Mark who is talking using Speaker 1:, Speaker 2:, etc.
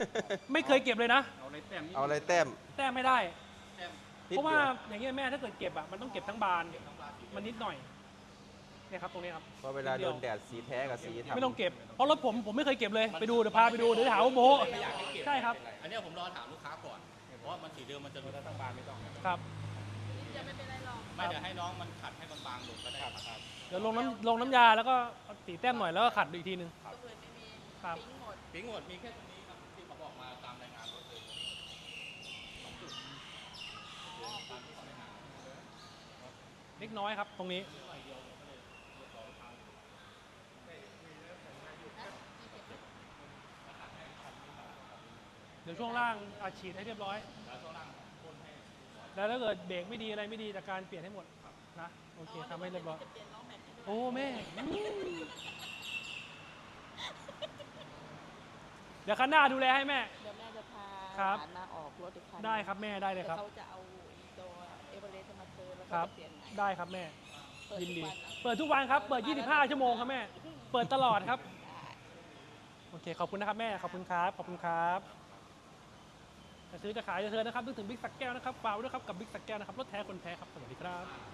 Speaker 1: ไม่เคยเก็บเลยนะ
Speaker 2: เอาอะไรแต้มนี่
Speaker 3: เอาอะไรแต้ม
Speaker 1: แต้มไม่ได้
Speaker 2: แต้ม
Speaker 3: นิด
Speaker 1: เพราะว่า
Speaker 3: เดียว
Speaker 1: อย่างเงี้ยแม่ถ้าเกิดเก็บอ่ะมันต้องเก็บทั้งบานมันนิดหน่อยเนี่ยครับตรงนี้ครับ
Speaker 3: เพราะเวลาโดนแดดสีแท้กับสีทำ
Speaker 1: ไม่ต้องเก็บเพราะรถผมไม่เคยเก็บเลยไปดูเดี๋ยวพาไปดูเดี๋ยวหาว่าโม้
Speaker 2: ไม่อยากให้เก็บ
Speaker 1: ใช่ครับ
Speaker 2: อันเนี้ยผมรอถามลูกค้าก่อนเพราะว่ามันสีเดิมมันจะรู้ทั้งบานไม่ต้อง
Speaker 1: ครับ
Speaker 4: จะไม่เป็นไรหรอก
Speaker 2: ไม่เดี๋ยวให้น้องมันขัดให้บางๆลงก็ได้ครับ
Speaker 1: เดี๋ยวลงน้ำยาแล้วก็ตีแต้มหน่อยแล้วก็ขัดดูอีกทีนึง
Speaker 4: ตัวอื่นไม่มี
Speaker 1: ครับ
Speaker 4: ปิ้งหมด
Speaker 2: ปิ้งหมดมีแค่ตรงนี้ครับที่เขาบอกมาตามรายงานรถเลยสองจุดตามที่เขารายงาน
Speaker 1: เล็กน้อยครับตรงนี้เดี๋ยวช่วงล่างอัดฉีดให้เรียบร้อย
Speaker 2: แล้วช่วงล่างพ่นให้
Speaker 1: แล้วถ้าเกิดเบรกไม่ดีอะไรไม่ดีจากการเปลี่ยนให้หมดนะโอเคทำให้เรียบร้อย
Speaker 4: จะเปลี่ยนล้อแม็กซ์ให้
Speaker 1: โอ้แม่เดี๋ยวคันหน้าดูแลให้แม่
Speaker 4: เดี๋ยวแม่จะพา
Speaker 1: ครับ
Speaker 4: หลานมาออกรถอีกคัน
Speaker 1: ได้ครับแม่ได้เลยครับ
Speaker 4: เขาจะเอาอีตัวเอเวอเรสต์มาเติมแล้ว
Speaker 1: ครั
Speaker 4: ก็
Speaker 1: บ
Speaker 4: จะเปลี่ยนใหม่
Speaker 1: ได้ครับแม่
Speaker 4: เปิด
Speaker 1: ยิน
Speaker 4: ทุก
Speaker 1: ดี
Speaker 4: วันนะ
Speaker 1: เปิดทุกวันครับ เปิด 25 ชั่วโมงครับแม่ เปิดตลอดครับ
Speaker 4: ได้
Speaker 1: โอเค ขอบคุณนะครับแม่ ขอบคุณครับ ขอบคุณครับจะซื้อจะขายจะเธอนะครับนึกถึงบิ๊กสักแก้วนะครับฝากไว้ด้วยครับกับบิ๊กสักแก้วนะครับ รถแท้คนแท้ครับ สวัสดีครับ